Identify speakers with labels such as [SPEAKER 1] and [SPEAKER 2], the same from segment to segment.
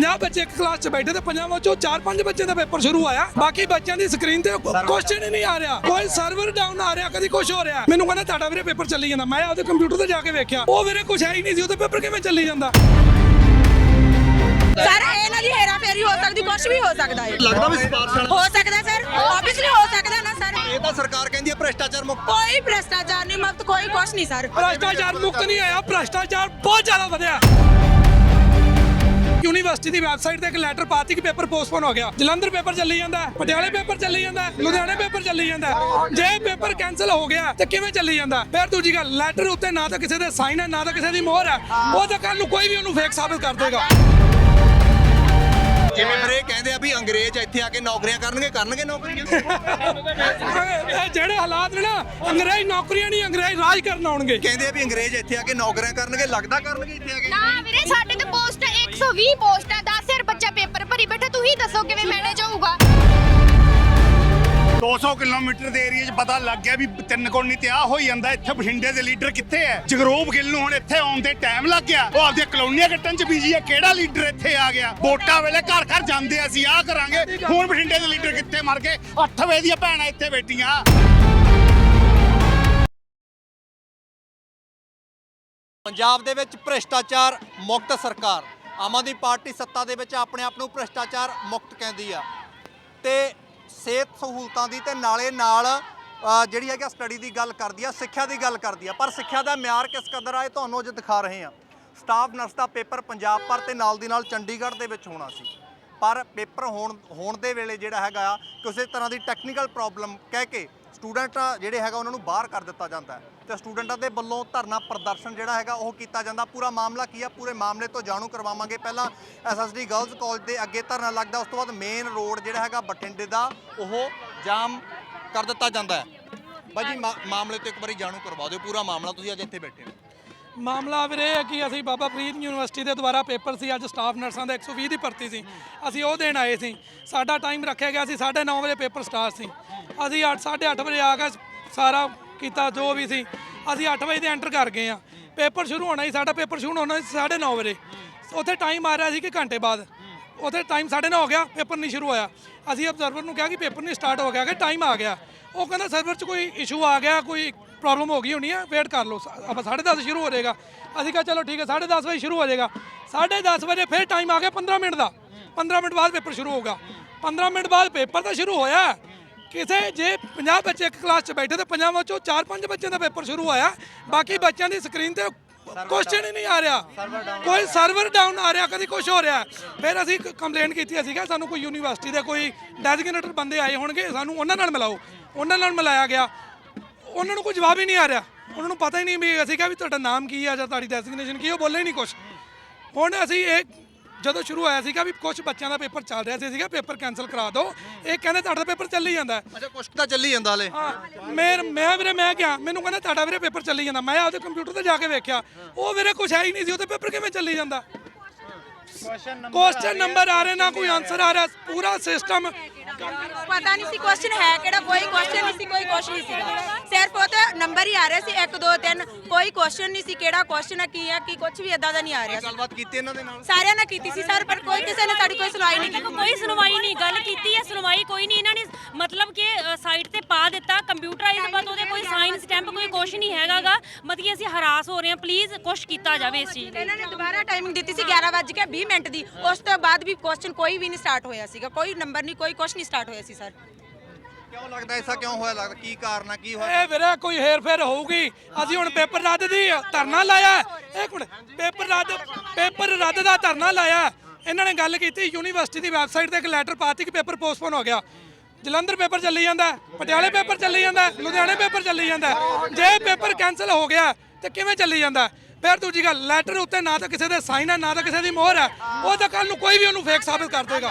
[SPEAKER 1] 50 ਬੱਚੇ ਇੱਕ ਕਲਾਸ 'ਚ ਬੈਠੇ ਤੇ 50 ਵਿੱਚੋਂ 4-5 ਬੱਚੇ ਦਾ ਪੇਪਰ ਸ਼ੁਰੂ ਆਇਆ। ਬਾਕੀ ਬੱਚਿਆਂ ਦੀ ਸਕਰੀਨ ਤੇ ਕੁਐਸਚਨ ਹੀ ਨਹੀਂ ਆ ਰਿਹਾ, ਕੋਈ ਸਰਵਰ ਡਾਊਨ ਆ ਰਿਹਾ, ਕਦੀ ਕੁਝ ਹੋ ਰਿਹਾ। ਮੈਨੂੰ ਕਹਿੰਦਾ ਤੁਹਾਡਾ ਵੀਰੇ ਪੇਪਰ ਚੱਲੀ ਜਾਂਦਾ। ਮੈਂ ਉਹਦੇ ਕੰਪਿਊਟਰ ਤੇ ਜਾ ਕੇ ਵੇਖਿਆ, ਉਹ ਵੀਰੇ ਕੁਝ ਹੈ ਹੀ ਨਹੀਂ ਸੀ, ਉਹਦੇ ਪੇਪਰ ਕਿਵੇਂ ਚੱਲੀ ਜਾਂਦਾ।
[SPEAKER 2] ਸਰ ਇਹਨਾਂ ਦੀ ਹੇਰਾ ਫੇਰੀ ਹੋ ਸਕਦੀ, ਕੁਝ ਵੀ ਹੋ ਸਕਦਾ ਹੈ।
[SPEAKER 3] ਲੱਗਦਾ ਵੀ ਸਿਫਾਰਸ਼
[SPEAKER 2] ਹੋ ਸਕਦਾ ਸਰ, ਆਬਵੀਅਸਲੀ ਹੋ ਸਕਦਾ ਨਾ ਸਰ।
[SPEAKER 3] ਇਹ ਤਾਂ ਸਰਕਾਰ ਕਹਿੰਦੀ ਹੈ ਭ੍ਰਿਸ਼ਟਾਚਾਰ ਮੁਕਤ।
[SPEAKER 2] ਕੋਈ ਭ੍ਰਿਸ਼ਟਾਚਾਰ ਨਹੀਂ ਮੁਕਤ, ਕੋਈ ਕੁਝ ਨਹੀਂ ਸਰ।
[SPEAKER 1] ਭ੍ਰਿਸ਼ਟਾਚਾਰ ਮੁਕਤ ਨਹੀਂ ਆਇਆ, ਭ੍ਰਿਸ਼ਟਾਚਾਰ ਬਹੁਤ ਜ਼ਿਆਦਾ ਵਧਿਆ। ਯੂਨੀਵਰਸਿਟੀ ਦੀ ਵੈਬਸਾਈਟ ਤੇ ਇੱਕ ਲੈਟਰ ਪਾਤੀ ਕਿ ਪੇਪਰ ਪੋਸਟਪੋਨ ਹੋ ਗਿਆ। ਜਲੰਧਰ ਪੇਪਰ ਚੱਲੀ ਜਾਂਦਾ, ਪਟਿਆਲੇ ਪੇਪਰ ਚੱਲੀ ਜਾਂਦਾ, ਲੁਧਿਆਣੇ ਪੇਪਰ ਚੱਲੀ ਜਾਂਦਾ। ਜੇ ਪੇਪਰ ਕੈਨਸਲ ਹੋ ਗਿਆ ਤੇ ਕਿਵੇਂ ਚੱਲੀ ਜਾਂਦਾ? ਫਿਰ ਦੂਜੀ ਗੱਲ, ਲੈਟਰ ਉੱਤੇ ਨਾ ਤਾਂ ਕਿਸੇ ਦੇ ਸਾਈਨ ਹੈ, ਨਾ ਤਾਂ ਕਿਸੇ ਦੀ ਮੋਹਰ ਹੈ। ਉਹ ਤਾਂ ਕੱਲ ਨੂੰ ਕੋਈ ਵੀ ਉਹਨੂੰ ਫੇਕ ਸਾਬਤ ਕਰ ਦੇਗਾ।
[SPEAKER 3] ਜਿਵੇਂ ਫਿਰ ਇਹ ਕਹਿੰਦੇ ਆ ਵੀ ਅੰਗਰੇਜ਼ ਇੱਥੇ ਆ ਕੇ ਨੌਕਰੀਆਂ ਕਰਨਗੇ ਨੌਕਰੀਆਂ।
[SPEAKER 1] ਇਹ ਜਿਹੜੇ ਹਾਲਾਤ ਨੇ ਨਾ, ਅੰਗਰੇਜ਼ ਨੌਕਰੀਆਂ ਨਹੀਂ, ਅੰਗਰੇਜ਼ ਰਾਜ ਕਰਨ ਆਉਣਗੇ।
[SPEAKER 3] ਕਹਿੰਦੇ ਆ ਵੀ ਅੰਗਰੇਜ਼ ਇੱਥੇ ਆ ਕੇ ਨੌਕਰੀਆਂ ਕਰਨਗੇ, ਲੱਗਦਾ ਕਰਨਗੇ ਇੱਥੇ ਆ ਕੇ।
[SPEAKER 4] ਨਾ ਵੀਰੇ, ਸਾਡੇ ਤੇ ਪੋਸਟ 120 ਪੋਸਟ ਹੈ, 10,000 ਬੱਚਾ ਪੇਪਰ ਭਰੀ ਬੈਠਾ। ਤੂੰ ਹੀ ਦੱਸੋ ਕਿਵੇਂ ਮੈਨੇਜ ਹੋਊਗਾ?
[SPEAKER 5] 200 ਕਿਲੋਮੀਟਰ ਦੇ ਏਰੀਆ 'ਚ ਪਤਾ ਲੱਗ ਗਿਆ ਵੀ ਤਿੰਨ ਕੋਣੀ ਤੇ ਆ ਹੋਈ ਜਾਂਦਾ। ਇੱਥੇ ਬਠਿੰਡੇ ਦੇ ਲੀਡਰ ਕਿੱਥੇ ਹੈ? ਜਗਰੂਪ ਗਿੱਲ ਨੂੰ ਹੁਣ ਇੱਥੇ ਆਉਣ ਤੇ ਟਾਈਮ ਲੱਗ ਗਿਆ। ਉਹ ਆਪਦੀਆਂ ਕਲੋਨੀਆਂ ਕੱਟਣ 'ਚ ਬੀਜੀ ਹੈ। ਕਿਹੜਾ ਲੀਡਰ ਇੱਥੇ ਆ ਗਿਆ? ਵੋਟਾਂ ਵੇਲੇ ਘਰ ਘਰ ਜਾਂਦੇ ਅਸੀਂ ਆਹ ਕਰਾਂਗੇ। ਹੁਣ ਬਠਿੰਡੇ ਦੇ ਲੀਡਰ ਕਿੱਥੇ ਮਰ ਗਏ? 8 ਵਜੇ ਦੀਆਂ ਭੈਣਾਂ ਇੱਥੇ ਬੈਠੀਆਂ।
[SPEAKER 3] ਪੰਜਾਬ ਦੇ ਵਿੱਚ ਭ੍ਰਿਸ਼ਟਾਚਾਰ ਮੁਕਤ ਸਰਕਾਰ, ਆਮ ਆਦਮੀ ਪਾਰਟੀ ਸੱਤਾ ਦੇ ਵਿੱਚ ਆਪਣੇ ਆਪ ਨੂੰ ਭ੍ਰਿਸ਼ਟਾਚਾਰ ਮੁਕਤ ਕਹਿੰਦੀ ਆ ਤੇ ਸਿਹਤ ਸਹੂਲਤਾਂ ਦੀ ਤੇ ਨਾਲੇ ਨਾਲ ਜਿਹੜੀ ਹੈਗਾ ਸਟੱਡੀ ਦੀ ਗੱਲ ਕਰਦੀ ਆ, ਸਿੱਖਿਆ ਦੀ ਗੱਲ ਕਰਦੀ ਆ। ਪਰ ਸਿੱਖਿਆ ਦਾ ਮਿਆਰ ਕਿਸ ਕਦਰ ਆ, ਇਹ ਤੁਹਾਨੂੰ ਅੱਜ ਦਿਖਾ ਰਹੇ ਆ। ਸਟਾਫ ਨਰਸ ਦਾ ਪੇਪਰ ਪੰਜਾਬ ਭਰ ਤੇ ਨਾਲ ਦੀ ਨਾਲ ਚੰਡੀਗੜ੍ਹ ਦੇ ਵਿੱਚ ਹੋਣਾ ਸੀ, ਪਰ ਪੇਪਰ ਹੋਣ ਦੇ ਵੇਲੇ ਜਿਹੜਾ ਹੈਗਾ ਆ ਕਿਸੇ ਤਰ੍ਹਾਂ ਦੀ ਟੈਕਨੀਕਲ ਪ੍ਰੋਬਲਮ ਕਹਿ ਕੇ ਸਟੂਡੈਂਟ ਜਿਹੜੇ ਹੈਗਾ ਉਹਨਾਂ ਨੂੰ ਬਾਹਰ ਕਰ ਦਿੱਤਾ ਜਾਂਦਾ ਹੈ ਤੇ ਸਟੂਡੈਂਟਾਂ ਦੇ ਵੱਲੋਂ ਧਰਨਾ ਪ੍ਰਦਰਸ਼ਨ ਜਿਹੜਾ ਹੈਗਾ ਉਹ ਕੀਤਾ ਜਾਂਦਾ। ਪੂਰਾ ਮਾਮਲਾ ਕੀ ਆ, ਪੂਰੇ ਮਾਮਲੇ ਤੋਂ ਜਾਣੂ ਕਰਵਾਵਾਂਗੇ। ਪਹਿਲਾਂ SSD ਗਰਲਜ਼ ਕਾਲਜ ਦੇ ਅੱਗੇ ਧਰਨਾ ਲੱਗਦਾ, ਉਸ ਤੋਂ ਬਾਅਦ ਮੇਨ ਰੋਡ ਜਿਹੜਾ ਹੈਗਾ ਬਠਿੰਡੇ ਦਾ ਉਹ ਜਾਮ ਕਰ ਦਿੱਤਾ ਜਾਂਦਾ ਹੈ। ਬਾਜੀ ਮਾਮਲੇ ਤੋਂ ਇੱਕ ਵਾਰੀ ਜਾਣੂ ਕਰਵਾ ਦਿਓ ਪੂਰਾ ਮਾਮਲਾ, ਤੁਸੀਂ ਅੱਜ ਇੱਥੇ ਬੈਠੇ ਹੋ।
[SPEAKER 1] ਮਾਮਲਾ ਵੀਰੇ ਇਹ ਹੈ ਕਿ ਅਸੀਂ ਬਾਬਾ ਫਰੀਦ ਯੂਨੀਵਰਸਿਟੀ ਦੇ ਦੁਆਰਾ ਪੇਪਰ ਸੀ, ਅੱਜ ਸਟਾਫ ਨਰਸਾਂ ਦਾ 120 ਦੀ ਭਰਤੀ ਸੀ। ਅਸੀਂ ਉਹ ਦੇਣ ਆਏ ਸੀ। ਸਾਡਾ ਟਾਈਮ ਰੱਖਿਆ ਗਿਆ ਸੀ 9:30 ਵਜੇ ਪੇਪਰ ਸਟਾਰਟ ਸੀ। ਅਸੀਂ 8:30 ਵਜੇ ਆ ਕੇ ਸਾਰਾ ਕੀਤਾ ਜੋ ਵੀ ਸੀ। ਅਸੀਂ 8 ਵਜੇ ਤੇ ਐਂਟਰ ਕਰ ਗਏ ਆ। ਪੇਪਰ ਸ਼ੁਰੂ ਹੋਣਾ ਸੀ, ਸਾਡਾ ਪੇਪਰ ਸ਼ੁਰੂ ਹੋਣਾ ਸੀ 9:30 ਵਜੇ। ਉੱਥੇ ਟਾਈਮ ਆ ਰਿਹਾ ਸੀ ਕਿ ਘੰਟੇ ਬਾਅਦ। ਉੱਥੇ ਟਾਈਮ 9:30 ਹੋ ਗਿਆ, ਪੇਪਰ ਨਹੀਂ ਸ਼ੁਰੂ ਹੋਇਆ। ਅਸੀਂ ਅਬਜ਼ਰਵਰ ਨੂੰ ਕਿਹਾ ਕਿ ਪੇਪਰ ਨਹੀਂ ਸਟਾਰਟ ਹੋ ਗਿਆ, ਕਿ ਟਾਈਮ ਆ ਗਿਆ। ਉਹ ਕਹਿੰਦਾ ਸਰਵਰ 'ਚ ਕੋਈ ਇਸ਼ੂ ਆ ਗਿਆ, ਕੋਈ ਪ੍ਰੋਬਲਮ ਹੋ ਗਈ ਹੋਣੀ ਹੈ, ਵੇਟ ਕਰ ਲਓ, ਆਪਾਂ 10:30 ਸ਼ੁਰੂ ਹੋ ਜਾਏਗਾ। ਅਸੀਂ ਕਿਹਾ ਚਲੋ ਠੀਕ ਹੈ, 10:30 ਵਜੇ ਸ਼ੁਰੂ ਹੋ ਜਾਏਗਾ। 10:30 ਵਜੇ ਫਿਰ ਟਾਈਮ ਆ ਗਿਆ 15 ਮਿੰਟ ਦਾ। 15 ਮਿੰਟ ਬਾਅਦ ਪੇਪਰ ਸ਼ੁਰੂ ਹੋਊਗਾ। 15 ਮਿੰਟ ਬਾਅਦ ਪੇਪਰ ਤਾਂ ਸ਼ੁਰੂ ਹੋਇਆ। ਕਿਸੇ ਜੇ 50 ਬੱਚੇ ਇੱਕ ਕਲਾਸ 'ਚ ਬੈਠੇ ਤੇ 50 ਵਿੱਚੋਂ 4-5 ਬੱਚਿਆਂ ਦਾ ਪੇਪਰ ਸ਼ੁਰੂ ਹੋਇਆ। ਬਾਕੀ ਬੱਚਿਆਂ ਦੀ ਸਕਰੀਨ ਤੇ ਕੁਐਸਚਨ ਹੀ ਨਹੀਂ ਆ ਰਿਹਾ, ਕੋਈ ਸਰਵਰ ਡਾਊਨ ਆ ਰਿਹਾ, ਕਦੀ ਕੁਝ ਹੋ ਰਿਹਾ। ਫਿਰ ਅਸੀਂ ਕੰਪਲੇਂਟ ਕੀਤੀ। ਅਸੀਂ ਕਿਹਾ ਸਾਨੂੰ ਕੋਈ ਯੂਨੀਵਰਸਿਟੀ ਦੇ ਕੋਈ ਡੈਜ਼ਿਗਨੇਟਡ ਬੰਦੇ ਆਏ ਹੋਣਗੇ, ਸਾਨੂੰ ਉਹਨਾਂ ਨਾਲ ਮਿਲਾਓ। ਉਹਨਾਂ ਨਾਲ ਮਿਲਾਇਆ ਗਿਆ, ਉਹਨਾਂ ਨੂੰ ਕੋਈ ਜਵਾਬ ਹੀ ਨਹੀਂ ਆ ਰਿਹਾ। ਉਹਨਾਂ ਨੂੰ ਪਤਾ ਹੀ ਨਹੀਂ ਵੀ ਅਸੀਂ ਕਿਹਾ ਵੀ ਤੁਹਾਡਾ ਨਾਮ ਕੀ ਆ ਜਾਂ ਤੁਹਾਡੀ ਡੈਜ਼ਿਗਨੇਸ਼ਨ ਕੀ, ਉਹ ਬੋਲੇ ਹੀ ਨਹੀਂ ਕੁਝ। ਹੁਣ ਅਸੀਂ ਇਹ ਜਦੋਂ ਸ਼ੁਰੂ ਹੋਇਆ ਸੀਗਾ ਵੀ ਕੁਝ ਬੱਚਿਆਂ ਦਾ ਪੇਪਰ ਚੱਲ ਰਿਹਾ ਸੀਗਾ, ਪੇਪਰ ਕੈਂਸਲ ਕਰਾ ਦਿਓ। ਇਹ ਕਹਿੰਦੇ ਤੁਹਾਡਾ ਪੇਪਰ ਚੱਲੀ ਜਾਂਦਾ।
[SPEAKER 3] ਅੱਛਾ, ਕੁਛ ਤਾਂ ਚੱਲੀ ਜਾਂਦਾ ਹਲੇ।
[SPEAKER 1] ਹਾਂ, ਮੈਂ ਕਿਹਾ, ਮੈਨੂੰ ਕਹਿੰਦਾ ਤੁਹਾਡਾ ਵੀਰੇ ਪੇਪਰ ਚੱਲੀ ਜਾਂਦਾ। ਮੈਂ ਉਹਦੇ ਕੰਪਿਊਟਰ ਤੇ ਜਾ ਕੇ ਵੇਖਿਆ, ਉਹ ਵੀਰੇ ਕੁਝ ਹੈ ਹੀ ਨਹੀਂ ਸੀ, ਉਹਦੇ ਪੇਪਰ ਕਿਵੇਂ ਚੱਲੀ ਜਾਂਦਾ। ਕੁਐਸਚਨ ਨੰਬਰ ਆ ਰਹੇ, ਨਾ ਕੋਈ ਆਨਸਰ ਆ ਰਿਹਾ। ਪੂਰਾ ਸਿਸਟਮ
[SPEAKER 2] ਪਤਾ ਨਹੀਂ ਸੀ ਕੁਐਸਚਨ ਹੈ ਕਿਹੜਾ, ਕੋਈ ਕੁਐਸਚਨ ਨਹੀਂ ਸੀ, ਕੋਈ ਕੁਛ ਨਹੀਂ ਸੀਗਾ। ਸਿਰਫ ਉਹ ਤੇ ਨੰਬਰ ਹੀ ਆ ਰਹੇ ਸੀ 1 2 3, ਕੋਈ ਕੁਐਸਚਨ ਨਹੀਂ ਸੀ ਕਿਹੜਾ ਕੁਐਸਚਨ ਹੈ, ਕੀ ਹੈ, ਕੀ ਕੁਝ ਵੀ ਇਦਾਂ ਦਾ ਨਹੀਂ ਆ ਰਿਹਾ ਸੀ।
[SPEAKER 3] ਗੱਲਬਾਤ ਕੀਤੀ ਇਹਨਾਂ ਦੇ ਨਾਲ
[SPEAKER 2] ਸਾਰਿਆਂ ਨਾਲ ਕੀਤੀ ਸੀ ਸਰ, ਪਰ ਕੋਈ ਕਿਸੇ ਨੇ ਸਾਡੀ ਕੋਈ ਸੁਣਵਾਈ ਨਹੀਂ ਕੀਤੀ।
[SPEAKER 6] ਕੋਈ ਸੁਣਵਾਈ ਨਹੀਂ, ਗੱਲ ਕੀਤੀ ਹੈ, ਸੁਣਵਾਈ ਕੋਈ ਨਹੀਂ। ਇਹਨਾਂ ਨੇ ਮਤਲਬ ਕਿ ਸਾਈਟ ਤੇ ਪਾ ਦਿੱਤਾ ਕੰਪਿਊਟਰਾਈਜ਼, ਬਾਤ ਉਹਦੇ ਕੋਈ ਸਾਈਨ ਸਟੈਂਪ ਕੋਈ ਕੁਛ ਨਹੀਂ ਹੈਗਾਗਾ। ਮਤਲਬ ਅਸੀਂ ਹਰਾਸ ਹੋ ਰਹੇ ਹਾਂ, ਪਲੀਜ਼ ਕੁਛ ਕੀਤਾ ਜਾਵੇ ਇਸ ਚੀਜ਼।
[SPEAKER 2] ਇਹਨਾਂ ਨੇ ਦੁਬਾਰਾ ਟਾਈਮਿੰਗ ਦਿੱਤੀ ਸੀ 11:20 ਦੀ। ਉਸ ਤੋਂ ਬਾਅਦ ਵੀ ਕੁਐਸਚਨ ਕੋਈ ਵੀ ਨਹੀਂ ਸਟਾਰਟ ਹੋਇਆ ਸੀਗਾ, ਕੋਈ ਨੰਬਰ ਨਹੀਂ, ਕੋਈ ਕੁਛ ਨਹੀਂ ਸਟਾਰਟ ਹੋਇਆ ਸੀ ਸਰ।
[SPEAKER 3] ਕਿਉਂ ਲੱਗਦਾ ਐਸਾ ਕਿਉਂ ਹੋਇਆ? ਲੱਗਦਾ ਕੀ ਕਾਰਨ ਆ, ਕੀ ਹੋਇਆ?
[SPEAKER 1] ਇਹ ਵੀਰੇ ਕੋਈ ਹੇਰ ਫੇਰ ਹੋਊਗੀ। ਅਸੀਂ ਹੁਣ ਪੇਪਰ ਰੱਦ ਦੀ ਧਰਨਾ ਲਾਇਆ। ਇੱਕ ਮਿੰਟ, ਪੇਪਰ ਰੱਦ ਦਾ ਧਰਨਾ ਲਾਇਆ। ਇਹਨਾਂ ਨੇ ਗੱਲ ਕੀਤੀ, ਯੂਨੀਵਰਸਿਟੀ ਦੀ ਵੈਬਸਾਈਟ ਤੇ ਇੱਕ ਲੈਟਰ ਪਾਤੀ ਕਿ ਪੇਪਰ ਪੋਸਟਪੋਨ ਹੋ ਗਿਆ। ਜਲੰਧਰ ਪੇਪਰ ਚੱਲੀ ਜਾਂਦਾ, ਪਟਿਆਲੇ ਪੇਪਰ ਚੱਲੀ ਜਾਂਦਾ, ਲੁਧਿਆਣੇ ਪੇਪਰ ਚੱਲੀ ਜਾਂਦਾ। ਜੇ ਪੇਪਰ ਕੈਂਸਲ ਹੋ ਗਿਆ ਤੇ ਕਿਵੇਂ ਚੱਲੀ ਜਾਂਦਾ? ਫਿਰ ਦੂਜੀ ਗੱਲ, ਲੈਟਰ ਉੱਤੇ ਨਾ ਤਾਂ ਕਿਸੇ ਦੇ ਸਾਈਨ ਹੈ, ਨਾ ਤਾਂ ਕਿਸੇ ਦੀ ਮੋਹਰ ਹੈ। ਉਹ ਤਾਂ ਕੱਲ ਨੂੰ ਕੋਈ ਵੀ ਉਹਨੂੰ ਫੇਕ ਸਾਬਤ ਕਰ ਦੇਗਾ।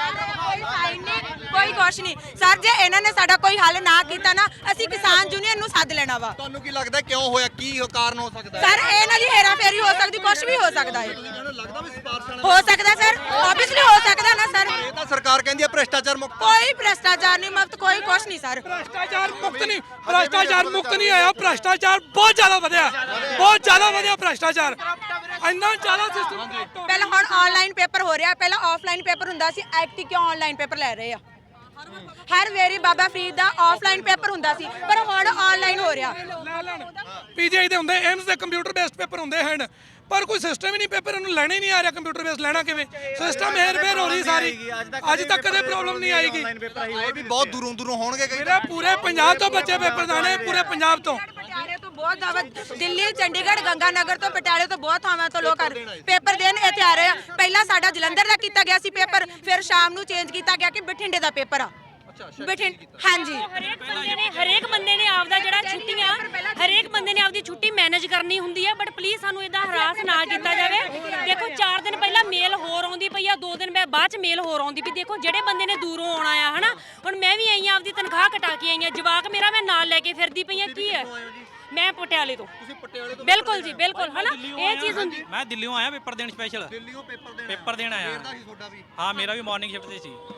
[SPEAKER 2] ਕੋਈ ਕੁਛ ਨਹੀਂ ਸਰ, ਜੇ ਇਹਨਾਂ ਨੇ ਸਾਡਾ ਕੋਈ ਹੱਲ ਨਾ ਕੀਤਾ ਨਾ, ਅਸੀਂ ਕਿਸਾਨ ਯੂਨੀਅਨ ਨੂੰ ਸੱਦ ਲੈਣਾ ਵਾ।
[SPEAKER 3] ਤੁਹਾਨੂੰ ਕੀ ਲੱਗਦਾ ਕਿਉਂ ਹੋਇਆ, ਕੀ ਕਾਰਨ ਹੋ ਸਕਦਾ?
[SPEAKER 2] ਸਰ ਇਹਨਾਂ ਦੀ ਹੇਰਾ ਫੇਰੀ ਹੋ ਸਕਦੀ, ਕੁਝ ਵੀ ਹੋ ਸਕਦਾ ਹੈ।
[SPEAKER 3] ਲੱਗਦਾ ਵੀ ਸਿਫਾਰਸ਼
[SPEAKER 2] ਹੋ ਸਕਦਾ ਸਰ, ਆਬਵੀਅਸਲੀ ਹੋ ਸਕਦਾ ਨਾ ਸਰ।
[SPEAKER 3] ਇਹ ਤਾਂ ਸਰਕਾਰ ਕਹਿੰਦੀ ਹੈ ਭ੍ਰਿਸ਼ਟਾਚਾਰ ਮੁਕਤ।
[SPEAKER 2] ਕੋਈ ਭ੍ਰਿਸ਼ਟਾਚਾਰ ਨਹੀਂ ਮੁਕਤ, ਕੋਈ ਕੁਛ ਨਹੀਂ ਸਰ।
[SPEAKER 1] ਭ੍ਰਿਸ਼ਟਾਚਾਰ ਮੁਕਤ ਨਹੀਂ ਆਇਆ, ਭ੍ਰਿਸ਼ਟਾਚਾਰ ਬਹੁਤ ਜ਼ਿਆਦਾ ਵਧਿਆ, ਬਹੁਤ ਜ਼ਿਆਦਾ ਵਧਿਆ ਭ੍ਰਿਸ਼ਟਾਚਾਰ, ਇੰਨਾ ਜ਼ਿਆਦਾ ਸਿਸਟਮ।
[SPEAKER 2] ਪਹਿਲਾਂ ਹੁਣ ਆਨਲਾਈਨ ਪੇਪਰ ਹੋ ਰਿਹਾ, ਪਹਿਲਾਂ ਆਫਲਾਈਨ ਪੇਪਰ ਹੁੰਦਾ ਸੀ, ਐਕਟੀ ਕਿਉਂ ਆਨਲਾਈਨ ਪੇਪਰ ਲੈ ਰਹੇ ਆ? ਹਰ ਵੇਰੀ ਬਾਬਾ ਫਰੀਦ ਦਾ ਆਫਲਾਈਨ ਪੇਪਰ ਹੁੰਦਾ ਸੀ, ਪਰ ਹੁਣ ਆਨਲਾਈਨ ਹੋ ਰਿਹਾ।
[SPEAKER 1] ਪੀਜੀਆਈ ਦੇ ਹੁੰਦੇ, ਏਮਸ ਦੇ ਕੰਪਿਊਟਰ ਬੇਸਡ ਪੇਪਰ ਹੁੰਦੇ ਹਨ, ਪਰ ਕੋਈ ਸਿਸਟਮ ਹੀ ਨਹੀਂ, ਪੇਪਰ ਨੂੰ ਲੈਣਾ ਹੀ ਨਹੀਂ ਆ ਰਿਹਾ। ਕੰਪਿਊਟਰ ਬੇਸ ਲੈਣਾ ਕਿਵੇਂ? ਸਿਸਟਮ ਹੇਰ-ਫੇਰ ਹੋ ਰਹੀ ਸਾਰੀ, ਅੱਜ ਤੱਕ ਕਦੇ ਪ੍ਰੋਬਲਮ ਨਹੀਂ ਆਏਗੀ।
[SPEAKER 3] ਇਹ ਵੀ ਬਹੁਤ ਦੂਰੋਂ ਦੂਰੋਂ ਹੋਣਗੇ ਕਈ।
[SPEAKER 1] ਮੇਰੇ ਪੂਰੇ ਪੰਜਾਬ ਤੋਂ ਬੱਚੇ ਪੇਪਰ ਦਾਣੇ, ਪੂਰੇ ਪੰਜਾਬ ਤੋਂ।
[SPEAKER 2] ਪਟਿਆਲੇ ਤੋਂ ਬਹੁਤ ਜ਼ਿਆਦਾ, ਦਿੱਲੀ, ਚੰਡੀਗੜ੍ਹ, ਗੰਗਾਨਗਰ ਤੋਂ, ਪਟਿਆਲੇ ਤੋਂ ਬਹੁਤ ਥਾਵਾਂ ਤੋਂ ਲੋਕ ਪੇਪਰ ਦੇਣ ਇੱਥੇ ਆ ਰਹੇ ਆ। ਪਹਿਲਾਂ ਸਾਡਾ ਜਲੰਧਰ ਦਾ ਕੀਤਾ ਗਿਆ ਸੀ ਪੇਪਰ, ਫਿਰ ਸ਼ਾਮ ਨੂੰ ਚੇਂਜ ਕੀਤਾ ਗਿਆ ਕਿ ਬਠਿੰਡੇ ਦਾ ਪੇਪਰ ਆ। ਹਾਂਜੀ,
[SPEAKER 6] ਹਰੇਕ ਬੰਦੇ ਨੇ ਆਪਦਾ ਜਿਹੜਾ ਛੁੱਟੀਆਂ, ਹਰੇਕ ਬੰਦੇ ਨੇ ਆਪਦੀ ਛੁੱਟੀ ਮੈਨੇਜ ਕਰਨੀ ਹੁੰਦੀ ਹੈ, ਬਟ ਪਲੀਜ਼ ਸਾਨੂੰ ਇਦਾਂ ਹਰਾਸ ਨਾ ਕੀਤਾ ਜਾਵੇ। ਦੇਖੋ 4 ਦਿਨ ਪਹਿਲਾਂ ਮੇਲ ਹੋਰ ਆਉਂਦੀ ਪਈ ਆ, 2 ਦਿਨ ਬਾਅਦ ਚ ਮੇਲ ਹੋਰ ਆਉਂਦੀ ਪਈ। ਦੇਖੋ ਜਿਹੜੇ ਬੰਦੇ ਨੇ ਦੂਰੋਂ ਆਉਣਾ ਆ, ਹਨਾ, ਹੁਣ ਮੈਂ ਵੀ ਆਈ ਆ, ਆਪਦੀ ਤਨਖਾਹ ਕਟਾ ਕੇ ਆਈ ਆ, ਜਵਾਕ ਮੇਰਾ ਮੈਂ ਨਾਲ ਲੈ ਕੇ ਫਿਰਦੀ ਪਈ ਆ। ਕੀ ਹੈ? ਮੈਂ ਪਟਿਆਲੇ ਤੋਂ।
[SPEAKER 3] ਤੁਸੀਂ ਪਟਿਆਲੇ ਤੋਂ?
[SPEAKER 6] ਬਿਲਕੁਲ ਜੀ, ਬਿਲਕੁਲ, ਹਨਾ, ਇਹ ਚੀਜ਼ ਹੁੰਦੀ।
[SPEAKER 7] ਮੈਂ ਦਿੱਲੀੋਂ ਆਇਆ ਪੇਪਰ ਦੇਣ ਸਪੈਸ਼ਲ।
[SPEAKER 3] ਦਿੱਲੀੋਂ
[SPEAKER 7] ਪੇਪਰ ਦੇਣ ਆਇਆ। ਹਾਂ, ਮੇਰਾ ਵੀ ਮਾਰਨਿੰਗ ਸ਼ਿਫਟ ਤੇ ਸੀ।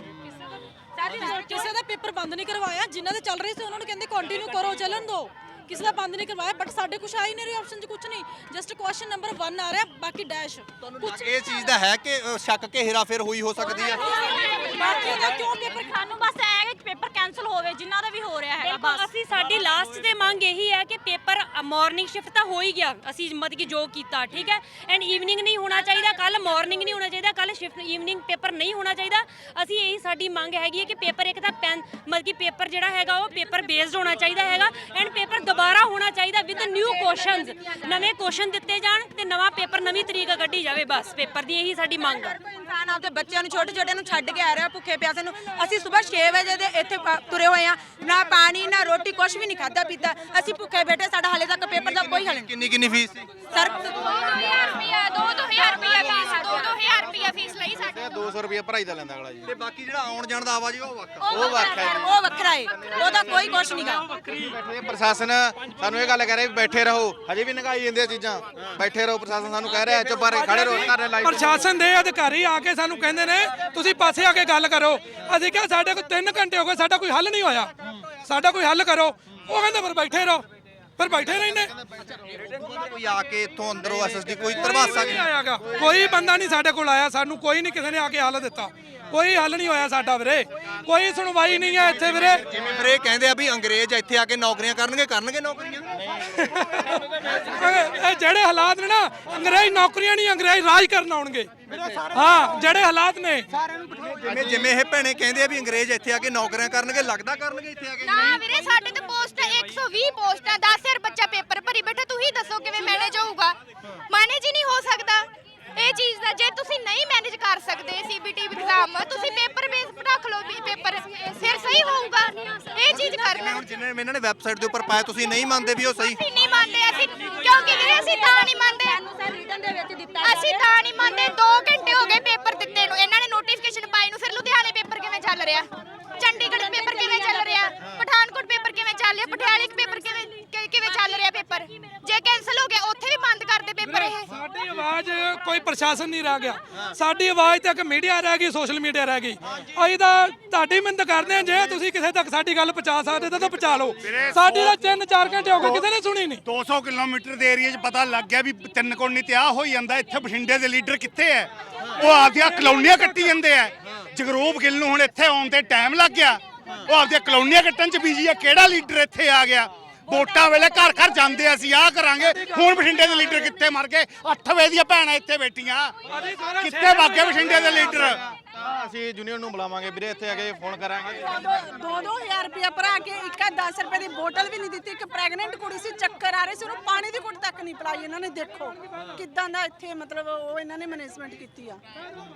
[SPEAKER 8] ਕਿਸੇ ਦਾ ਪੇਪਰ ਬੰਦ ਨਹੀਂ ਕਰਵਾਇਆ, ਜਿਨ੍ਹਾਂ ਦੇ ਚੱਲ ਰਹੇ ਸੀ ਉਹਨਾਂ ਨੂੰ ਕਹਿੰਦੇ ਕੰਟੀਨਿਊ ਕਰੋ, ਚੱਲਣ ਦਿਓ। ਕਿਸੇ ਦਾ ਬੰਦ ਨਹੀਂ ਕਰਵਾਇਆ, ਬਟ ਸਾਡੇ ਕੁਝ ਆ ਹੀ ਨਹੀਂ ਰਿਹਾ ਆਪਸ਼ਨ 'ਚ, ਕੁਝ ਨਹੀਂ। ਜਸਟ ਕੁਐਸਚਨ ਨੰਬਰ 1 ਆ ਰਿਹਾ, ਬਾਕੀ ਡੈਸ਼ ਕੁਝ।
[SPEAKER 3] ਇਹ ਚੀਜ਼ ਦਾ ਹੈ ਕਿ ਸ਼ੱਕ ਕਿ ਹੇਰਾਫੇਰ ਹੋਈ ਹੋ ਸਕਦੀ ਹੈ।
[SPEAKER 8] ਬਾਕੀ ਦਾ ਕਿਉਂ ਪੇਪਰ
[SPEAKER 6] ਸਾਨੂੰ ਬਸ ਇਹ ਹੈ ਕਿ ਪੇਪਰ ਕੈਨਸਲ ਹੋਵੇ, ਜਿਨ੍ਹਾਂ ਦਾ ਵੀ ਹੋ ਰਿਹਾ ਹੈ। ਬਸ ਅਸੀਂ ਸਾਡੀ ਲਾਸਟ ਤੇ ਮੰਗ ਇਹੀ ਹੈ ਕਿ ਪੇਪਰ ਮਾਰਨਿੰਗ ਸ਼ਿਫਟ ਤਾਂ ਹੋ ਹੀ ਗਿਆ, ਅਸੀਂ ਮਤਲਬ ਕਿ ਜੋ ਕੀਤਾ, ਠੀਕ ਹੈ, ਐਂਡ ਈਵਨਿੰਗ ਨਹੀਂ ਹੋਣਾ ਚਾਹੀਦਾ, ਕੱਲ ਮਾਰਨਿੰਗ ਨਹੀਂ ਹੋਣਾ ਚਾਹੀਦਾ, ਕੱਲ ਸ਼ਿਫਟ ਈਵਨਿੰਗ ਪੇਪਰ ਨਹੀਂ ਹੋਣਾ ਚਾਹੀਦਾ। ਅਸੀਂ ਇਹੀ ਸਾਡੀ ਮੰਗ ਹੈਗੀ ਹੈ ਕਿ ਪੇਪਰ ਇੱਕ ਤਾਂ ਮਤਲਬ ਕਿ ਪੇਪਰ ਜਿਹੜਾ ਹੈਗਾ ਉਹ ਪੇਪਰ ਬੇਸਡ ਹੋਣਾ ਚਾਹੀਦਾ ਹੈਗਾ, ਐਂਡ ਪੇਪਰ ਦੁਬਾਰਾ ਹੋਣਾ ਚਾਹੀਦਾ ਵਿਦ ਨਿਊ ਕੁਐਸਚਨਸ, ਨਵੇਂ ਕੁਐਸਚਨ ਦਿੱਤੇ ਜਾਣ ਤੇ ਨਵਾਂ ਪੇਪਰ, ਨਵੀਂ ਤਰੀਕ ਕੱਢੀ ਜਾਵੇ। ਬਸ ਪੇਪਰ ਦੀ ਇਹੀ ਸਾਡੀ ਮੰਗ ਹੈ।
[SPEAKER 2] ਇਨਸਾਨ ਆਪਦੇ ਬੱਚਿਆਂ ਨੂੰ, ਛੋਟੇ ਨੂੰ ਛੱਡ ਕੇ ਆ ਰਿਹਾ ਭੁੱਖੇ ਪਿਆਸੇ ਨੂੰ। ਅਸੀਂ ਸਵੇਰ 6 ਵਜੇ ਦੇ ਇੱਥੇ ਤੁਰੇ ਹੋਏ ਆ, ਨਾ ਪਾਣੀ ਨਾ ਰੋਟੀ, ਕੁਝ ਵੀ ਨਹੀਂ ਖਾਦਾ ਪੀਤਾ, ਅਸੀਂ ਭੁੱਖੇ ਬੈਠੇ। ਸਾਡਾ ਹਾਲੇ ਤੱਕ ਪੇਪਰ ਦਾ ਕੋਈ ਹੱਲ ਨਹੀਂ।
[SPEAKER 3] ਕਿੰਨੀ ਫੀਸ ਸੀ
[SPEAKER 2] ਸਰ
[SPEAKER 4] 2000 ਰੁਪਿਆ 2000 ਰੁਪਿਆ ਫੀਸ, 2000 ਰੁਪਿਆ ਫੀਸ ਲਈ ਸਾਡੀ।
[SPEAKER 9] 200 ਰੁਪਏ ਭਰਾਈ ਦਾ ਲੈਂਦਾ ਅਗਲਾ ਜੀ।
[SPEAKER 3] ਤੇ ਬਾਕੀ ਜਿਹੜਾ ਆਉਣ ਜਾਣ ਦਾ ਆਵਾਜ਼ ਉਹ ਵੱਖ।
[SPEAKER 2] ਉਹ ਵੱਖਰਾ ਹੈ, ਉਹਦਾ ਕੋਈ ਕੁਝ ਨਹੀਂਗਾ।
[SPEAKER 9] ਬੈਠੇ ਪ੍ਰਸ਼ਾਸਨ ਸਾਨੂੰ ਇਹ ਗੱਲ ਕਹਿ ਰਿਹਾ ਵੀ ਬੈਠੇ ਰਹੋ, ਹਜੇ ਵੀ ਨਗਾਈ ਜਾਂਦੀਆਂ ਚੀਜ਼ਾਂ। ਬੈਠੇ ਰਹੋ, ਪ੍ਰਸ਼ਾਸਨ ਸਾਨੂੰ ਕਹਿ ਰਿਹਾ ਚੁੱਪ ਰਹੇ, ਖੜੇ ਰਹੋ, ਧਰਨੇ ਲਾਈ।
[SPEAKER 1] ਪ੍ਰਸ਼ਾਸਨ ਦੇ ਅਧਿਕਾਰੀ ਆ ਕੇ ਸਾਨੂੰ ਕਹਿੰਦੇ ਨੇ ਤੁਸੀਂ ਪਾਸੇ ਆ ਕੇ ਗੱਲ ਕਰੋ। ਅਸੀਂ ਕਿਹਾ ਸਾਡੇ ਕੋਲ 3 ਘੰਟੇ ਹੋ ਗਏ, ਸਾਡਾ ਕੋਈ ਹੱਲ ਨਹੀਂ ਹੋਇਆ, ਸਾਡਾ ਕੋਈ ਹੱਲ ਕਰੋ। ਉਹ ਕਹਿੰਦੇ ਫਿਰ ਬੈਠੇ ਰਹੋ, ਫਿਰ ਬੈਠੇ ਰਹਿੰਦੇ।
[SPEAKER 3] ਕੋਈ ਆ ਕੇ ਇੱਥੋਂ ਅੰਦਰੋਂ ਐਸਐਸਡੀ ਕੋਈ ਧਰਵਾਸਾ
[SPEAKER 1] ਨਹੀਂ ਆਇਆਗਾ, ਕੋਈ ਬੰਦਾ ਨਹੀਂ ਸਾਡੇ ਕੋਲ ਆਇਆ, ਸਾਨੂੰ ਕੋਈ ਨਹੀਂ ਕਿਸੇ ਨੇ ਆ ਕੇ ਹੱਲ ਦਿੱਤਾ, ਕੋਈ ਹੱਲ ਨਹੀਂ ਹੋਇਆ ਸਾਡਾ ਵੀਰੇ, ਕੋਈ ਸੁਣਵਾਈ ਨਹੀਂ ਹੈ ਇੱਥੇ ਵੀਰੇ।
[SPEAKER 3] ਜਿਵੇਂ ਫਿਰ ਇਹ ਕਹਿੰਦੇ ਆ ਵੀ ਅੰਗਰੇਜ਼ ਇੱਥੇ ਆ ਕੇ ਨੌਕਰੀਆਂ ਕਰਨਗੇ ਨੌਕਰੀਆਂ।
[SPEAKER 1] ਇਹ ਜਿਹੜੇ ਹਾਲਾਤ ਨੇ ਨਾ, ਅੰਗਰੇਜ਼ ਨੌਕਰੀਆਂ ਨਹੀਂ, ਅੰਗਰੇਜ਼ ਰਾਜ ਕਰਨ ਆਉਣਗੇ। ਹਾਂ, ਜਿਹੜੇ ਹਾਲਾਤ ਨੇ,
[SPEAKER 3] ਜਿਵੇਂ ਇਹ ਭੈਣੇ ਕਹਿੰਦੇ ਆ ਵੀ ਅੰਗਰੇਜ਼ ਇੱਥੇ ਆ ਕੇ ਨੌਕਰੀਆਂ ਕਰਨਗੇ, ਲੱਗਦਾ ਕਰਨਗੇ ਇੱਥੇ ਆ ਕੇ?
[SPEAKER 4] ਨਾ ਵੀਰੇ, ਸਾਡੇ ਤੇ ਪੋਸਟ 120 ਪੋਸਟਾਂ, 10000 ਬੱਚਾ ਪੇਪਰ ਭਰੀ ਬੈਠਾ। ਤੁਸੀਂ ਦੱਸੋ ਕਿਵੇਂ ਮੈਨੇਜ ਹੋਊਗਾ? ਮੈਨੇਜ ਹੀ ਨਹੀਂ ਹੋ ਸਕਦਾ ਇਹ ਚੀਜ਼ ਦਾ। ਜੇ ਤੁਸੀਂ ਨਹੀਂ ਮੈਨੇਜ ਕਰ ਸਕਦੇ ਸੀਬੀਟੀ ਐਗਜ਼ਾਮ, ਤੁਸੀਂ ਪੇਪਰ ਬੇਸ ਰੱਖ ਲਓ ਵੀ ਪੇਪਰ, ਫਿਰ ਸਹੀ ਹੋਊਗਾ। ਇਹ ਚੀਜ਼ ਕਰਨਾ
[SPEAKER 3] ਜਿਵੇਂ ਇਹਨਾਂ ਨੇ ਵੈਬਸਾਈਟ ਦੇ ਉੱਪਰ ਪਾਇਆ, ਤੁਸੀਂ ਨਹੀਂ ਮੰਨਦੇ ਵੀ ਉਹ ਸਹੀ?
[SPEAKER 4] ਅਸੀਂ ਨਹੀਂ ਮੰਨਦੇ, ਅਸੀਂ ਕਿਉਂਕਿ ਵੀਰੇ ਅਸੀਂ ਤਾਂ ਨਹੀਂ ਮੰਨਦੇ, ਅਸੀਂ ਤਾਂ ਨਹੀਂ ਮੰਨਦੇ। 2 ਘੰਟੇ ਹੋ ਗਏ ਪੇਪਰ ਦਿੱਤੇ ਨੂੰ, ਇਹਨਾਂ ਨੇ ਨੋਟੀਫਿਕੇਸ਼ਨ ਪਾਈ ਨੂੰ। ਫਿਰ ਲੁਧਿਆਣੇ ਪੇਪਰ ਕਿਵੇਂ ਚੱਲ ਰਿਹਾ, ਚੰਡੀਗੜ੍ਹ ਪੇਪਰ ਕਿਵੇਂ ਚੱਲ ਰਿਹਾ, ਪਠਾਨਕੋਟ ਪੇਪਰ ਕਿਵੇਂ ਚੱਲ ਰਿਹਾ, ਪਟਿਆਲੇ ਪੇਪਰ ਕਿਵੇਂ ਚੱਲ ਰਿਹਾ ਪੇਪਰ? ਜੇ ਕੈਨਸਲ ਹੋ ਗਿਆ ਉੱਥੇ ਵੀ ਬੰਦ ਕਰ ਦੇ ਪੇਪਰ। ਇਹ
[SPEAKER 1] ਸਾਡੀ ਆਵਾਜ਼ ਕੋਈ ਪ੍ਰਸ਼ਾਸਨ ਨਹੀਂ ਰਹਿ ਗਿਆ, ਸਾਡੀ ਆਵਾਜ਼ ਤੱਕ ਮੀਡੀਆ ਰਹਿ ਗਈ, ਸੋਸ਼ਲ ਮੀਡੀਆ ਰਹਿ ਗਈ। ਅਸੀਂ ਤਾਂ ਤੁਹਾਡੀ ਮਿਹਨਤ ਕਰਦੇ ਹਾਂ, ਜੇ ਤੁਸੀਂ ਕਿਸੇ ਤੱਕ ਸਾਡੀ ਗੱਲ ਪਹੁੰਚਾ ਸਕਦੇ ਤਾਂ ਪਹੁੰਚਾ ਲਓ। ਸਾਡੀ ਤਾਂ 3-4 ਘੰਟੇ ਹੋ ਗਏ, ਕਿਸੇ ਨੇ ਸੁਣੀ ਨਹੀਂ।
[SPEAKER 5] 200 ਕਿਲੋਮੀਟਰ ਦੇ ਏਰੀਆ 'ਚ ਪਤਾ ਲੱਗ ਗਿਆ ਵੀ ਤਿੰਨ ਕੋਣੀ ਤੇ ਆ ਹੋਈ ਜਾਂਦਾ। ਇੱਥੇ ਬਠਿੰਡੇ ਦੇ ਲੀਡਰ ਕਿੱਥੇ ਐ? ਉਹ ਆਪਦੀਆਂ ਕਲੋਨੀਆਂ ਕੱਟੀ ਜਾਂਦੇ ਐ। ਜਗਰੂਪ ਗਿੱਲ ਨੂੰ ਹੁਣ ਇੱਥੇ ਆਉਣ ਤੇ ਟਾਈਮ ਲੱਗ ਗਿਆ, ਉਹ ਆਪਦੀਆਂ ਕਲੋਨੀਆਂ ਕੱਟਣ 'ਚ ਬਿਜੀ ਐ। ਕਿਹੜਾ ਲੀਡਰ ਇੱਥੇ ਆ ਗਿਆ? ਵੋਟਾਂ ਵੇਲੇ ਘਰ ਘਰ ਜਾਂਦੇ ਅਸੀਂ ਆਹ ਕਰਾਂਗੇ। ਹੁਣ ਬਠਿੰਡੇ ਦੇ ਲੀਡਰ ਕਿੱਥੇ ਮਰ ਗਏ? 8 ਵਜੇ ਦੀਆਂ ਭੈਣਾਂ ਇੱਥੇ ਬੈਠੀਆਂ, ਕਿੱਥੇ ਵਗ ਗਏ ਬਠਿੰਡੇ ਦੇ ਲੀਡਰ?
[SPEAKER 9] ਅਸੀਂ ਯੂਨੀਅਨ ਨੂੰ ਬੁਲਾਵਾਂਗੇ ਵੀਰੇ, ਇੱਥੇ ਆ ਕੇ ਫੋਨ ਕਰਾਂਗੇ।
[SPEAKER 8] 2-2000 ਰੁਪਇਆ ਭਰਾ ਕੇ ਇੱਕ 10 ਰੁਪਏ ਦੀ ਬੋਤਲ ਵੀ ਨਹੀਂ ਦਿੱਤੀ। ਇੱਕ ਪ੍ਰੈਗਨੈਂਟ ਕੁੜੀ ਸੀ, ਚੱਕਰ ਆ ਰਹੇ ਸੀ, ਉਹਨੂੰ ਪਾਣੀ ਦੀ ਘੁੱਟ ਤੱਕ ਨਹੀਂ ਪਿਲਾਈ ਇਹਨਾਂ ਨੇ। ਦੇਖੋ ਕਿੱਦਾਂ ਦਾ ਇੱਥੇ ਮਤਲਬ ਉਹ ਇਹਨਾਂ ਨੇ ਮੈਨੇਜਮੈਂਟ ਕੀਤੀ ਆ।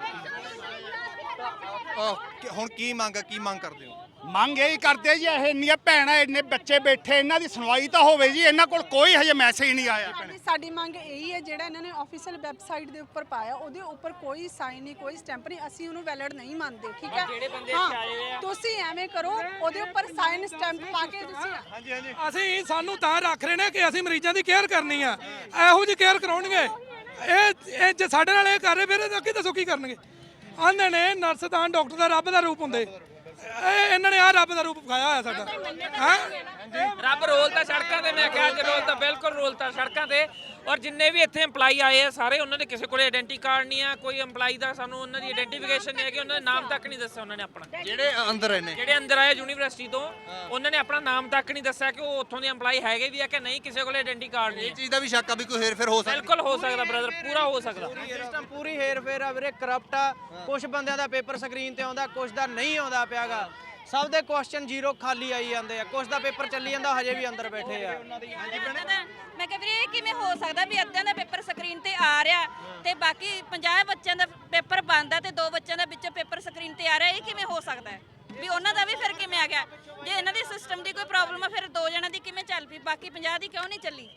[SPEAKER 3] ਹੁਣ ਕੀ ਮੰਗ ਕਰਦੇ ਹੋ?
[SPEAKER 5] ਮੰਗ ਇਹੀ ਕਰਦੇ ਜੀ, ਇਹ ਇੰਨੀਆਂ ਭੈਣਾਂ, ਇੰਨੇ ਬੱਚੇ ਬੈਠੇ, ਇਹਨਾਂ ਦੀ ਸੁਣਵਾਈ ਤਾਂ ਹੋਵੇ ਜੀ। ਇਹਨਾਂ ਕੋਲ ਕੋਈ ਹਜੇ ਮੈਸੇਜ ਨਹੀਂ ਆਇਆ।
[SPEAKER 8] ਸਾਡੀ ਮੰਗ ਇਹੀ ਹੈ, ਜਿਹੜਾ ਇਹਨਾਂ ਨੇ ਆਫੀਸ਼ੀਅਲ ਵੈਬਸਾਈਟ ਦੇ ਉੱਪਰ ਪਾਇਆ, ਉਹਦੇ ਉੱਪਰ ਕੋਈ ਸਾਈਨ ਨਹੀਂ, ਕੋਈ ਸਟੈਂਪ ਨਹੀਂ। ਅਸੀਂ ਉਹਨੂੰ ਵੈਲਿਡ ਨਹੀਂ ਮੰਨਦੇ, ਠੀਕ ਹੈ? ਹਾਂ, ਤੁਸੀਂ ਐਵੇਂ ਕਰੋ, ਉਹਦੇ ਉੱਪਰ ਸਾਈਨ ਸਟੈਂਪ ਪਾ ਕੇ ਤੁਸੀਂ।
[SPEAKER 1] ਅਸੀਂ ਸਾਨੂੰ ਤਾਂ ਰੱਖ ਰਹੇ ਨੇ ਕਿ ਅਸੀਂ ਮਰੀਜ਼ਾਂ ਦੀ ਕੇਅਰ ਕਰਨੀ ਆ, ਇਹੋ ਜਿਹੀ ਕੇਅਰ ਕਰਾਉਣਗੇ। ਇਹ ਜੇ ਸਾਡੇ ਨਾਲ ਇਹ ਕਰ ਰਹੇ, ਫਿਰ ਅੱਗੇ ਦੱਸੋ ਕੀ ਕਰਨਗੇ? ਆਂਦੇ ਨੇ ਨਰਸ ਤਾਂ ਡਾਕਟਰ ਦਾ ਰੱਬ ਦਾ ਰੂਪ ਹੁੰਦੇ, ਇਹਨਾਂ ਨੇ ਆ ਰੱਬ ਦਾ ਰੂਪ ਵਿਖਾਇਆ ਹੋਇਆ ਸਾਡਾ ਹੈ।
[SPEAKER 10] ਰੱਬ ਰੋਲਤਾ ਸੜਕਾਂ ਤੇ, ਮੈਂ ਕਿਹਾ ਅੱਜ ਰੋਲਤਾ, ਬਿਲਕੁਲ ਰੋਲਤਾ ਸੜਕਾਂ ਤੇ। ਔਰ ਜਿੰਨੇ ਵੀ ਇੱਥੇ EMPLOYE ਆਏ ਆ ਸਾਰੇ, ਉਹਨਾਂ ਦੇ ਕਿਸੇ ਕੋਲੇ ਆਇਡੈਂਟੀ ਕਾਰਡ ਨਹੀਂ ਆ, ਕੋਈ EMPLOYE ਦਾ ਸਾਨੂੰ ਉਹਨਾਂ ਦੀ ਆਇਡੈਂਟੀਫਿਕੇਸ਼ਨ ਨਹੀਂ ਹੈ ਕਿ ਉਹਨਾਂ ਦੇ ਨਾਮ ਤੱਕ ਨਹੀਂ ਦੱਸਿਆ ਉਹਨਾਂ ਨੇ ਆਪਣਾ।
[SPEAKER 3] ਜਿਹੜੇ ਅੰਦਰ ਨੇ,
[SPEAKER 10] ਜਿਹੜੇ ਅੰਦਰ ਆਏ ਯੂਨੀਵਰਸਿਟੀ ਤੋਂ, ਉਹਨਾਂ ਨੇ ਆਪਣਾ ਨਾਮ ਤੱਕ ਨਹੀਂ ਦੱਸਿਆ ਕਿ ਉਹ ਉੱਥੋਂ ਦੇ EMPLOYE ਹੈਗੇ ਵੀ ਆ ਕਿ ਨਹੀਂ, ਕਿਸੇ ਕੋਲੇ ਆਇਡੈਂਟੀ ਕਾਰਡ ਨਹੀਂ।
[SPEAKER 3] ਇਹ ਚੀਜ਼ ਦਾ ਵੀ ਸ਼ੱਕ ਆ ਵੀ ਕੋਈ ਹੇਰ-ਫੇਰ ਹੋ ਸਕਦਾ।
[SPEAKER 10] ਬਿਲਕੁਲ ਹੋ ਸਕਦਾ ਬ੍ਰਦਰ, ਪੂਰਾ ਹੋ ਸਕਦਾ।
[SPEAKER 11] ਸਿਸਟਮ ਪੂਰੀ ਹੇਰ ਫੇਰ ਆ ਵੀਰੇ, ਕਰਪਟ ਆ। ਕੁਝ ਬੰਦਿਆਂ ਦਾ ਪੇਪਰ ਸਕਰੀਨ ਤੇ ਆਉਂਦਾ, ਕੁਝ ਦਾ ਨਹੀਂ ਆਉਂਦਾ ਪਿਆਗਾ। ਸਭ ਦੇ ਕੁਐਸਚਨ ਜ਼ੀਰੋ ਖਾਲੀ ਆਈ ਜਾਂਦੇ ਆ, ਕੁਝ ਦਾ ਪੇਪਰ ਚੱਲੀ ਜਾਂਦਾ, ਹਜੇ ਵੀ ਅੰਦਰ ਬੈਠੇ ਆ।
[SPEAKER 2] ਮੈਂ ਕਿਹਾ ਵੀਰੇ ਇਹ ਕਿਵੇਂ ਹੋ ਸਕਦਾ ਵੀ ਅੱਧਿਆਂ ਦਾ ਪੇਪਰ ਸਕਰੀਨ ਤੇ ਆ ਰਿਹਾ ਤੇ ਬਾਕੀ 50 ਬੱਚਿਆਂ ਦਾ ਪੇਪਰ ਬੰਦ ਆ ਤੇ 2 ਬੱਚਿਆਂ ਦਾ ਵਿੱਚ ਪੇਪਰ ਸਕਰੀਨ ਤੇ ਆ ਰਿਹਾ, ਇਹ ਕਿਵੇਂ ਹੋ ਸਕਦਾ ਹੈ ਵੀ ਉਹਨਾਂ ਦਾ ਵੀ ਫਿਰ ਕਿਵੇਂ ਆ ਗਿਆ? ਜੇ ਇਹਨਾਂ ਦੀ ਸਿਸਟਮ ਦੀ ਕੋਈ ਪ੍ਰੋਬਲਮ ਆ ਫਿਰ 2 ਜਣਾਂ ਦੀ ਕਿਵੇਂ ਚੱਲ ਪਈ, ਬਾਕੀ 50 ਦੀ ਕਿਉਂ ਨਹੀਂ ਚੱਲੀ?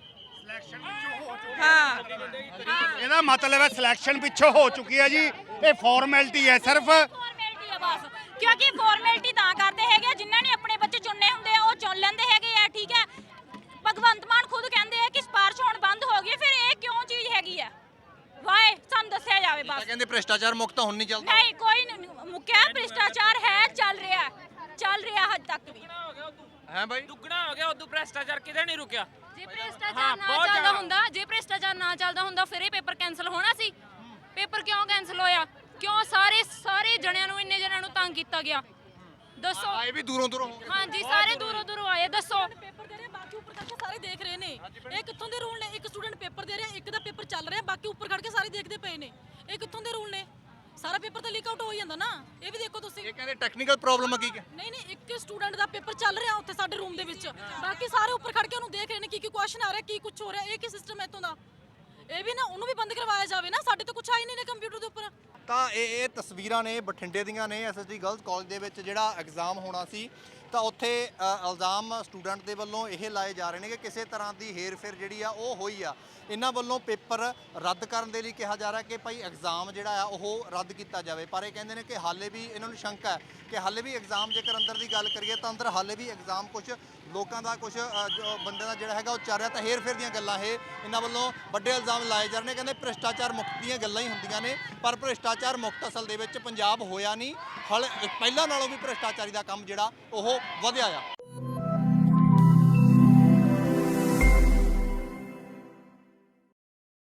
[SPEAKER 2] ਹਾਂ,
[SPEAKER 5] ਇਹਦਾ ਮਤਲਬ ਹੈ ਸਿਲੈਕਸ਼ਨ ਪਿੱਛੋਂ ਹੋ ਚੁੱਕੀ ਹੈ ਜੀ, ਇਹ ਫਾਰਮੈਲਿਟੀ ਹੈ ਸਿਰਫ।
[SPEAKER 6] ਫਾਰਮੈਲਿਟੀ ਆ ਬਸ, ਕਿਉਂਕਿ ਫਾਰਮੈਲਿਟੀ ਤਾਂ ਕਰਦੇ ਹੈਗੇ ਆ, ਜਿਨ੍ਹਾਂ ਨੇ ਆਪਣੇ ਬੱਚੇ ਚੁਣਨੇ ਹੁੰਦੇ ਆ ਉਹ ਚੁਣ ਲੈਂਦੇ ਹੈਗੇ ਆ, ਠੀਕ ਹੈ। ਭਗਵੰਤ ਮਾਨ ਖੁਦ ਕਹਿੰਦੇ ਆ ਕਿ ਸਿਫਾਰਿਸ਼ ਹੁਣ ਬੰਦ ਹੋ ਗਈ, ਫਿਰ ਇਹ ਕਿਉਂ ਚੀਜ਼ ਹੈਗੀ ਆ? ਵਾਏ ਸਾਨੂੰ ਦੱਸਿਆ ਜਾਵੇ ਬਸ।
[SPEAKER 3] ਕਹਿੰਦੇ ਭ੍ਰਿਸ਼ਟਾਚਾਰ ਮੁਕਤ ਹੁਣ ਨਹੀਂ ਚੱਲਦਾ।
[SPEAKER 6] ਨਹੀਂ, ਕੋਈ ਮੁੱਕਿਆ ਭ੍ਰਿਸ਼ਟਾਚਾਰ ਹੈ, ਚੱਲ ਰਿਹਾ ਹੱਦ ਤੱਕ ਵੀ।
[SPEAKER 3] ਹੈ ਬਾਈ,
[SPEAKER 10] ਦੁੱਗਣਾ ਹੋ ਗਿਆ, ਉਦੋਂ ਭ੍ਰਿਸ਼ਟਾਚਾਰ ਕਿਤੇ ਨਹੀਂ ਰੁਕਿਆ।
[SPEAKER 6] ਜੇ ਭ੍ਰਿਸ਼ਟਾਚਾਰ ਨਾ ਚੱਲਦਾ ਹੁੰਦਾ ਫਿਰ ਇਹ ਪੇਪਰ ਕੈਨਸਲ ਹੋਣਾ ਸੀ। ਪੇਪਰ ਕਿਉਂ ਕੈਨਸਲ ਹੋਇਆ? ਕਿਉਂ ਸਾਰੇ ਜਣਿਆਂ ਨੂੰ, ਇੰਨੇ ਜਣਿਆਂ ਨੂੰ ਤੰਗ ਕੀਤਾ ਗਿਆ? ਦੱਸੋ।
[SPEAKER 3] ਆਏ ਵੀ ਦੂਰੋਂ ਦੂਰੋਂ।
[SPEAKER 6] ਹਾਂਜੀ, ਸਾਰੇ ਦੂਰੋਂ ਆਏ। ਦੱਸੋ।
[SPEAKER 12] ਪੇਪਰ ਦੇ ਰਹੇ, ਬਾਕੀ ਉੱਪਰ ਕਰਕੇ ਸਾਰੇ ਦੇਖ ਰਹੇ ਨੇ। ਇਹ ਕਿੱਥੋਂ ਦੇ ਰੂਲ ਨੇ? ਇੱਕ ਸਟੂਡੈਂਟ ਪੇਪਰ ਦੇ ਰਿਹਾ, ਇੱਕ ਦਾ ਪੇਪਰ ਚੱਲ ਰਿਹਾ, ਬਾਕੀ ਉੱਪਰ ਖੜ ਕੇ ਸਾਰੇ ਦੇਖਦੇ ਪਏ ਨੇ। ਇਹ ਕਿੱਥੋਂ ਦੇ ਰੂਲ ਨੇ? ਸਾਰਾ ਪੇਪਰ ਤਾਂ ਲੀਕ ਆਊਟ ਹੋ ਜਾਂਦਾ ਨਾ, ਇਹ ਵੀ ਦੇਖੋ ਤੁਸੀਂ।
[SPEAKER 3] ਇਹ ਕਹਿੰਦੇ ਟੈਕਨੀਕਲ ਪ੍ਰੋਬਲਮ ਆ ਕੀ?
[SPEAKER 12] ਨਹੀਂ, ਇੱਕ ਸਟੂਡੈਂਟ ਦਾ ਪੇਪਰ ਚੱਲ ਰਿਹਾ ਉੱਥੇ ਸਾਡੇ ਰੂਮ ਦੇ ਵਿੱਚ, ਬਾਕੀ ਸਾਰੇ ਉੱਪਰ ਖੜ ਕੇ ਉਹਨੂੰ ਦੇਖ ਰਹੇ ਨੇ ਕੀ ਕੁਐਸਚਨ ਆ ਰਿਹਾ, ਕੀ ਕੁਝ ਹੋ ਰਿਹਾ। ਇਹ ਕੀ ਸਿਸਟਮ ਹੈ ਇੱਥੋਂ ਦਾ? ਇਹ ਵੀ ਨਾ ਉਹਨੂੰ ਵੀ ਬੰਦ ਕਰਵਾਇਆ ਜਾਵੇ ਨਾ, ਸਾਡੇ ਤਾਂ ਕੁਝ ਆਈ ਨਹੀਂ ਨੇ ਕੰਪਿਊਟਰ ਦੇ ਉੱਪਰ।
[SPEAKER 3] ਤਾਂ ਇਹ ਤਸਵੀਰਾਂ ਨੇ ਬਠਿੰਡੇ ਦੀਆਂ ਨੇ, SSD ਗਰਲਸ ਕਾਲਜ ਦੇ ਵਿੱਚ ਜਿਹੜਾ ਐਗਜ਼ਾਮ ਹੋਣਾ ਸੀ ਤਾਂ ਉੱਥੇ ਇਲਜ਼ਾਮ ਸਟੂਡੈਂਟ ਦੇ ਵੱਲੋਂ ਇਹ ਲਾਏ ਜਾ ਰਹੇ ਨੇ ਕਿ ਕਿਸੇ ਤਰ੍ਹਾਂ ਦੀ ਹੇਰ-ਫੇਰ ਜਿਹੜੀ ਆ ਉਹ ਹੋਈ ਆ। ਇਹਨਾਂ ਵੱਲੋਂ ਪੇਪਰ ਰੱਦ ਕਰਨ ਦੇ ਲਈ ਕਿਹਾ ਜਾ ਰਿਹਾ ਕਿ ਭਾਈ ਐਗਜ਼ਾਮ ਜਿਹੜਾ ਆ ਉਹ ਰੱਦ ਕੀਤਾ ਜਾਵੇ, ਪਰ ਇਹ ਕਹਿੰਦੇ ਨੇ ਕਿ ਹਾਲੇ ਵੀ ਇਹਨਾਂ ਨੂੰ ਸ਼ੰਕਾ ਹੈ ਕਿ ਹਾਲੇ ਵੀ ਐਗਜ਼ਾਮ, ਜੇਕਰ ਅੰਦਰ ਦੀ ਗੱਲ ਕਰੀਏ ਤਾਂ ਅੰਦਰ ਹਾਲੇ ਵੀ ਐਗਜ਼ਾਮ ਕੁਝ ਲੋਕਾਂ ਦਾ, ਕੁਝ ਬੰਦੇ ਦਾ ਜਿਹੜਾ ਹੈਗਾ ਉਹ ਚੱਲ ਰਿਹਾ। ਤਾਂ ਹੇਰ-ਫੇਰ ਦੀਆਂ ਗੱਲਾਂ ਇਹ ਇਹਨਾਂ ਵੱਲੋਂ ਵੱਡੇ ਇਲਜ਼ਾਮ ਲਾਏ ਜਾ ਰਹੇ ਨੇ। ਕਹਿੰਦੇ ਭ੍ਰਿਸ਼ਟਾਚਾਰ ਮੁਕਤ ਦੀਆਂ ਗੱਲਾਂ ਹੀ ਹੁੰਦੀਆਂ ਨੇ, ਪਰ ਭ੍ਰਿਸ਼ਟਾਚਾਰ ਮੁਕਤ ਅਸਲ ਦੇ ਵਿੱਚ ਪੰਜਾਬ ਹੋਇਆ ਨਹੀਂ। ਪਹਿਲਾਂ ਨਾਲੋਂ ਵੀ ਭ੍ਰਿਸ਼ਟਾਚਾਰੀ ਦਾ ਕੰਮ ਜਿਹੜਾ ਉਹ ਵਧਿਆ ਆ।